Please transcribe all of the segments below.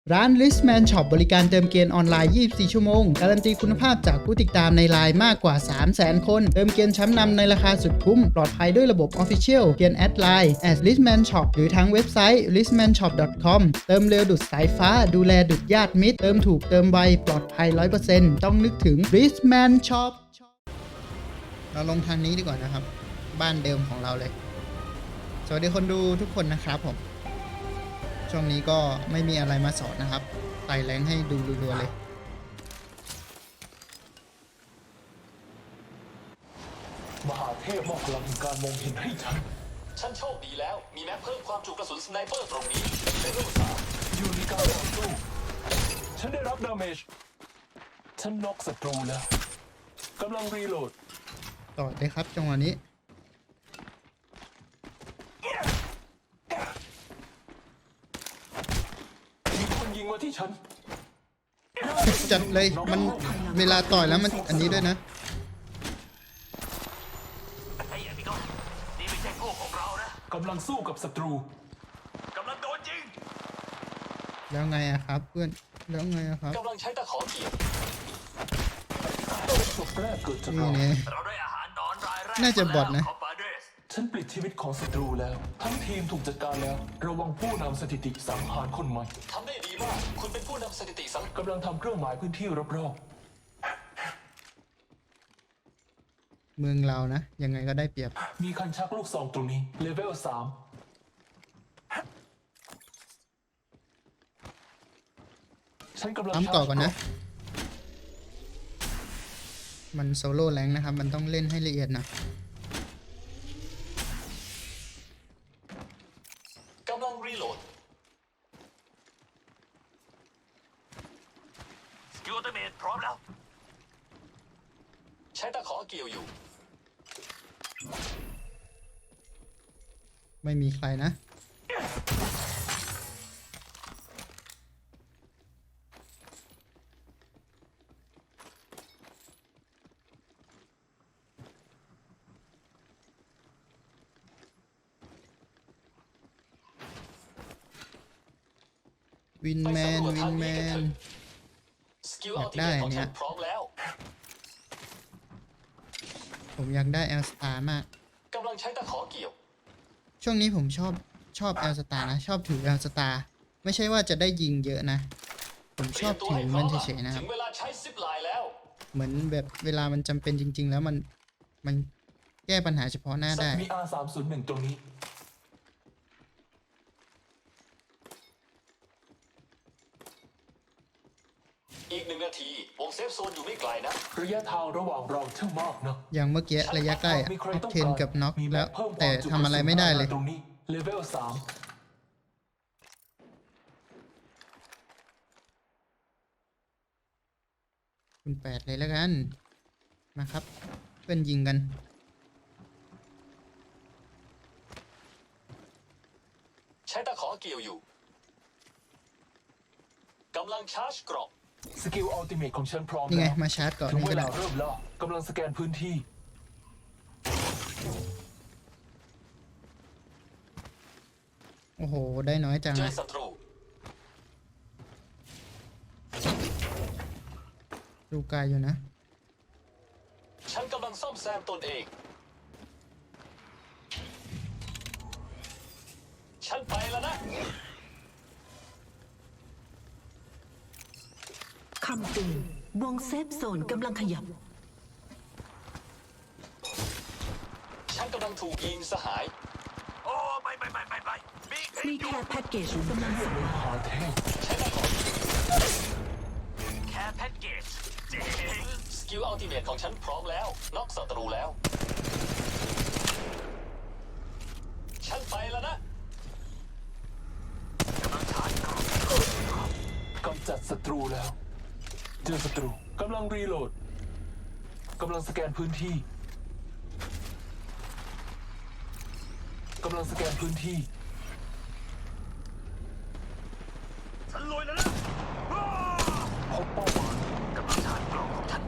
ร้าน Listman Shop บริการเติมเกมออนไลน์ 24 ชั่วโมง การันตีคุณภาพจากผู้ติดตามในไลน์มากกว่า 300,000 คน เติมเกมชั้นนำในราคาสุดคุ้ม ปลอดภัยด้วยระบบ Official เพียงแอดไลน์ @Listman Shop หรือทางเว็บไซต์ listmanshop.com เติมเร็วดุจสายฟ้าดูแลดุจญาติมิตรเติมถูกเติมไวปลอดภัย 100% ต้องนึกถึง Listman Shop เราลงทางนี้ดีกว่านะครับบ้านเดิมของเราเลยสวัสดีคนดูทุกคนนะครับผมช่วงนี้ก็ไม่มีอะไรมาสอนนะครับไต่แรงให้ดูรัวๆเลยมหาเทพมอบพลังแห่งการมองเห็นให้ฉันโชคดีแล้วมีแม็กเพิ่มความจุกระสุนสไนเปอร์ตรงนี้เลเวล3 อยู่ในการต่อสู้ฉันได้รับดาเมจฉันน็อกศัตรูแล้วกำลังรีโหลดต่อเลยครับจังหวะนี้มีคนยิงมาที่ฉันจัดเลยมันเวลาต่อยแล้วมันอันนี้ด้วยนะไอ้พี่ก้อนนี่ไม่ใช่พวกของเรานะกำลังสู้กับศัตรูกำลังโดนยิงแล้วไงอะครับเพื่อนแล้วไงอะครับกำลังใช้ตะขอเกี่ยวศพแรกเกิดจากเราได้อาหารนอนรายแรกน่าจะบอทนะฉันปลิดชีวิตของศัตรูแล้วทั้งทีมถูกจัดการแล้วระวังผู้นำสถิติสังหารคนใหม่ทำได้ดีมากคุณเป็นผู้นำสถิติสังกำลังทำเครื่องหมายพื้นที่รอบๆเมืองเรานะยังไงก็ได้เปรียบมีคันชักลูกซองตรงนี้เลเวล3ฉันกำลังต่อก่อนนะมันโซโล่แรงนะครับมันต้องเล่นให้ละเอียดนะกำลังรีโหลดสกิลอัลติเมทพร้อมแล้วใช้ตะขอเกี่ยวอยู่ไม่มีใครนะวินแมนอยากได้เนี่ยผมอยากได้แอลสตาร์มากกำลังใช้ตะขอเกี่ยวช่วงนี้ผมชอบแอลสตาร์นะชอบถือแอลสตาร์ไม่ใช่ว่าจะได้ยิงเยอะนะผมชอบถือมันเฉยๆนะครับเหมือนแบบเวลามันจำเป็นจริงๆแล้วมันแก้ปัญหาเฉพาะหน้าได้มี R301 ตรงนี้อีก1 นาทีวงเซฟโซนอยู่ไม่ไกลนะระยะทางระหว่างเราช่างมากนะอย่างเมื่อกี้ระยะใกล้ออกเทนกับน็อกแล้วแต่ทำอะไรไม่ได้เลยตรงนี้เลเวล3 คุณ8เลยแล้วกันมาครับเพื่อนยิงกันใช้ตะขอเกี่ยวอยู่กำลังชาร์จกรอบสกิลอัลติเมทของฉันพร้อมนี่ไงมาชาร์จก่อนถึงเวลาเริ่มแล้วกำลังสแกนพื้นที่โอ้โหได้น้อยจังเจอศัตรูดูไกลอยู่นะฉันกำลังซ่อมแซมตนเองฉันไปแล้วนะคำเตือนวงเซฟโซนกำลังขยับฉันกำลังถูกยิงสหายโอ้ไม่มีแค่แพ็กเกจกำลังส่งมาใช้ตะขอแค่แพ็กเกจเจ๋งสกิลอัลติเมทของฉันพร้อมแล้วน็อกศัตรูแล้วฉันไปแล้วนะกำจัดศัตรูแล้วเจอศัตรูกำลังรีโหลดกำลังสแกนพื้นที่กำลังสแกนพื้นที่ฉันลอยแล้วนะพบเป้าหมายกำลังชาร์จกล่องของฉัน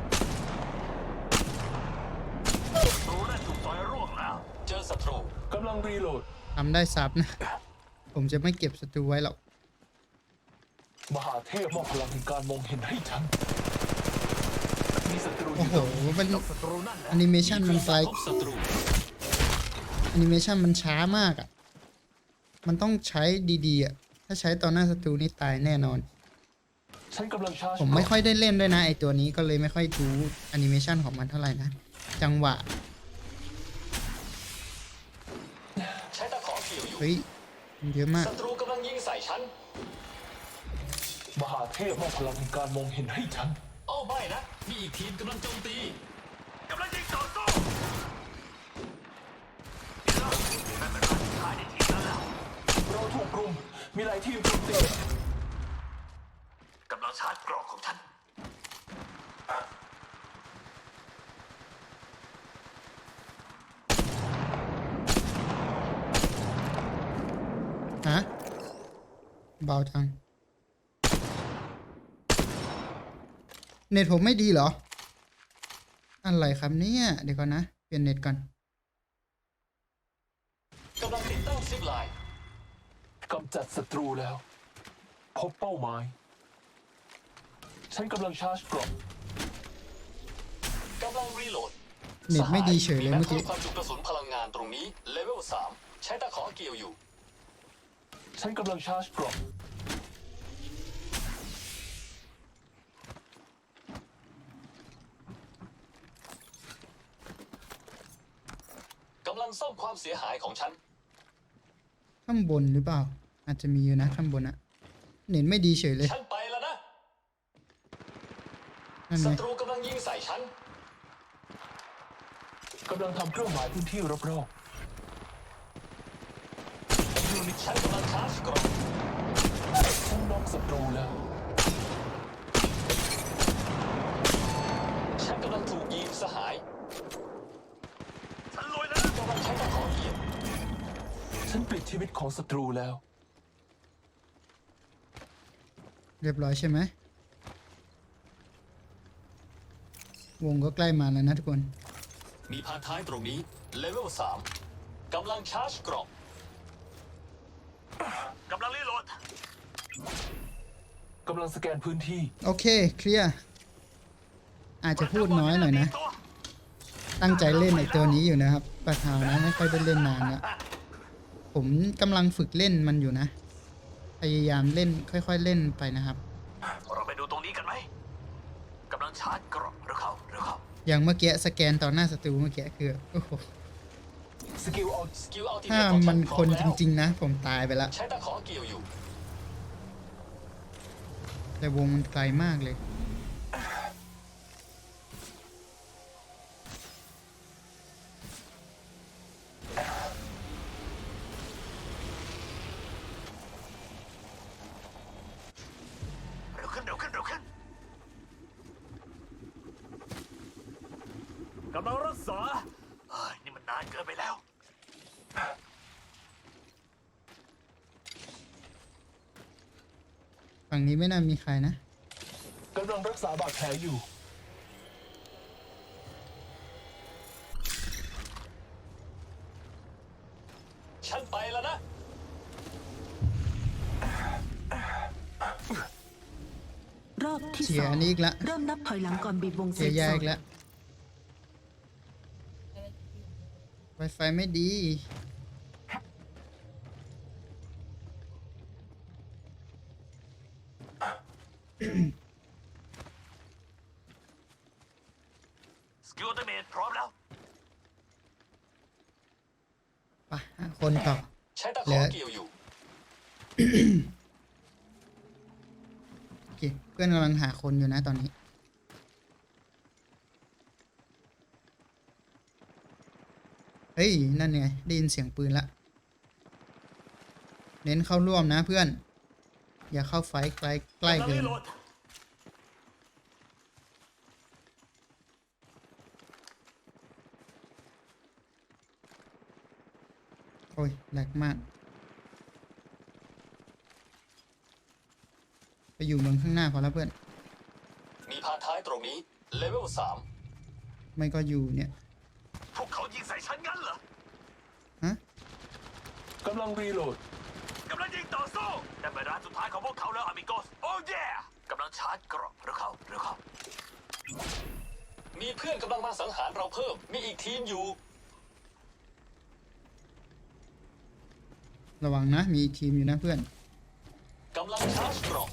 ศัตรูได้ถูกต่อยร่วงแล้วเจอศัตรูกำลังรีโหลดทำได้ซับนะผมจะไม่เก็บศัตรูไว้หรอกมหาเทพมอบพลังแห่งการมองเห็นให้ฉัน มีศัตรูอโอ้ยู่โหตรงนี้มันศัตรูนั่นแหละแอนิเมชันมันไกลพบศัตรูแอนิเมชันมันช้ามากอ่ะ มันต้องใช้ดีๆอ่ะ ถ้าใช้ตอนหน้าศัตรูนี่ตายแน่นอนฉันกำลังชาร์จผมไม่ค่อยได้เล่นด้วยนะไอตัวนี้ก็เลยไม่ค่อยรู้แอนิเมชันของมันเท่าไหร่นะ จังหวะใช้ตะขอเกี่ยวอยู่เฮ้ยมันเยอะมากศัตรูกำลังยิงใส่ฉันมหาเทพมอบพลังแห่งการมองเห็นให้ฉันโอ้ไม่นะ มีอีกทีมกำลังโจมตีกำลังยิงต่อสู้เราถูกรุม มีหลายทีมโจมตีกำลังชาร์จกรอกของฉันฮะ เบาจัง เน็ตผมไม่ดีเหรอ อะไรครับเนี่ย เดี๋ยวก่อนนะ เปลี่ยนเน็ตก่อนกำลังติดตั้งซิปไลน์กำจัดศัตรูแล้ว พบเป้าหมาย ฉันกำลังชาร์จกรอบกำลังรีโหลดเน็ตไม่ดีเฉยเลยแม็เมื่อกี้พิ่ความจุกระสุนพลังงานตรงนี้เลเวล3ใช้ตะขอเกี่ยวอยู่ฉันกำลังชาร์จกรอบกำลังซ่อมความเสียหายของฉันข้างบนหรือเปล่า อาจจะมีอยู่นะข้างบนอะเน็ตไม่ดีเฉยเลยฉันไปแล้วนะนั่นไงศัตรูกำลังยิงใส่ฉันกำลังทำเครื่องหมายพื้นที่รอบฉันกำลังชาร์จกรอบๆ ฉันน็อกศัตรูแล้วฉันกำลังถูกยิงสหาย ฉันลอยแล้วกำลังใช้ตะขอเกี่ยวฉันปิดชีวิตของศัตรูแล้วเรียบร้อยใช่ไหม วงก็ใกล้มาแล้วนะทุกคนมีพาท้ายตรงนี้เลเวล3กำลังชาร์จกรอบกำลังรีโหลดกำลังสแกนพื้นที่โอเค เคลียร์ อาจจะพูดน้อยหน่อยนะ ตั้งใจเล่นไอตัวนี้อยู่นะครับประธานนะไม่ค่อยได้เล่นนานแล้วผมกำลังฝึกเล่นมันอยู่นะ พยายามเล่นค่อยๆเล่นไปนะครับเราไปดูตรงนี้กันไหมกำลังชาร์จกรอบหรือเขาอย่างเมื่อกี้สแกนต่อหน้าศัตรูเมื่อกี้คือโอ้โหสกิลออนสกิลอัลติเมถ้าทของมันฉัพคร้อมนแล้วจริงๆนะ ผมตายไปแล้วใช้ตะขอเกี่ยวอยู่แต่วงมันไกลมากเลยเร็วขึ้นกำลังรักษานี่มันนานเกินไปแล้วฝั่งนี้ไม่น่ามีใครนะกำลังรักษาบาดแผลอยู่ฉันไปแล้วนะรอบที่เสีสยองอันนี้อีกละเริ่มนับถอยหลังก่อนบีบวงเซเสียฟยาโซอีนกแล้ว Wi-Fi ไม่ดีสกิลอัลติเมทพร้อมแล้วไปหาคนต่อใช้ตะขเหลืออเกี่ยวอยู่โอเค เพื่อนกำลังหาคนอยู่นะตอนนี้ เฮ้ย นั่นไงได้ยินเสียงปืนละ เน้นเข้าร่วมนะเพื่อน อย่าเข้าไฟท์ใกล้เกิน โอ้ยแหลกมาก ไปอยู่เมืองข้างหน้าพอแล้วเพื่อนมีพาท้ายตรงนี้เลเวลไม่ก็อยู่เนี่ย 3พวกเขายิงใส่ฉันงั้นเหรอฮะกำลังรีโหลดกำลังยิงต่อสู้แต่เป็นร้านสุดท้ายของพวกเขาแล้วอามิโกสโอ้เย่กำลังชาร์จเกรอบเร็วเข้ามีเพื่อนกำลังมาสังหารเราเพิ่มมีอีกทีมอยู่ระวังนะมีทีมอยู่นะเพื่อนกำลังชาร์จเกรอบ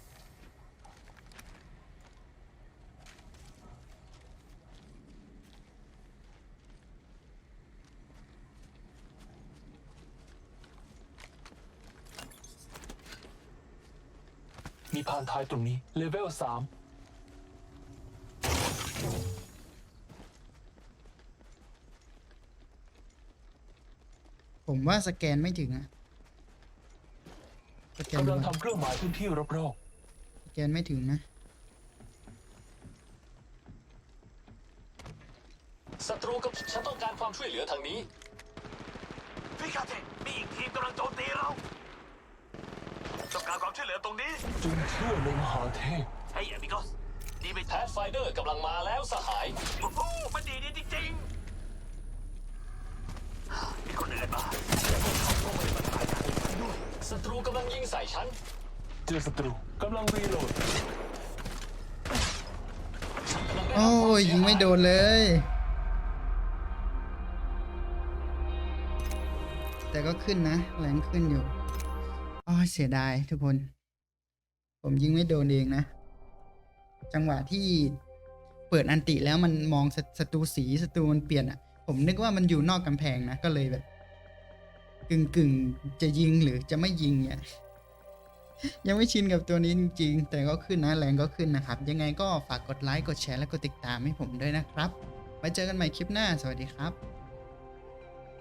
มีพานท้ายตรงนี้ เลเวล 3 ผมว่าสแกนไม่ถึงอะสแกนกำดูลังก่อนทำเครื่องหมายพื้นที่รอบสแกนไม่ถึงนะศัตรูกับฉันต้องการความช่วยเหลือทางนี้พิกาเตมีอีกทีมกำลังโจมตีเราต้องการความช่วยเหลือตรงนี้ๆจงเชื่อในมหาเทพเฮ้ยอามิโกสนี่เป็นแพทไฟเดอร์กำลังมาแล้วสหายโอ้โหมันดีจริงๆมีคนอื่นมาศัตรูกำลังยิงใส่ฉันเจอศัตรูกำลังรีโหลดฉันกำลังได้รับโอ้ยยิงไม่โดนเลย แต่ก็ขึ้นนะแรงขึ้นอยู่อ้อเสียดายทุกคน ผมยิงไม่โดนเองนะ จังหวะที่เปิดอันติแล้วมันมองศัตรูสีศัตรูมันเปลี่ยนอ่ะ ผมนึกว่ามันอยู่นอกกำแพงนะ ก็เลยแบบ กึ่งจะยิงหรือจะไม่ยิงเนี่ย ยังไม่ชินกับตัวนี้จริงๆ แต่ก็ขึ้นนะแรงก็ขึ้นนะครับ ยังไงก็ฝากกดไลค์กดแชร์และกดติดตามให้ผมด้วยนะครับ ไว้เจอกันใหม่คลิปหน้าสวัสดีครับ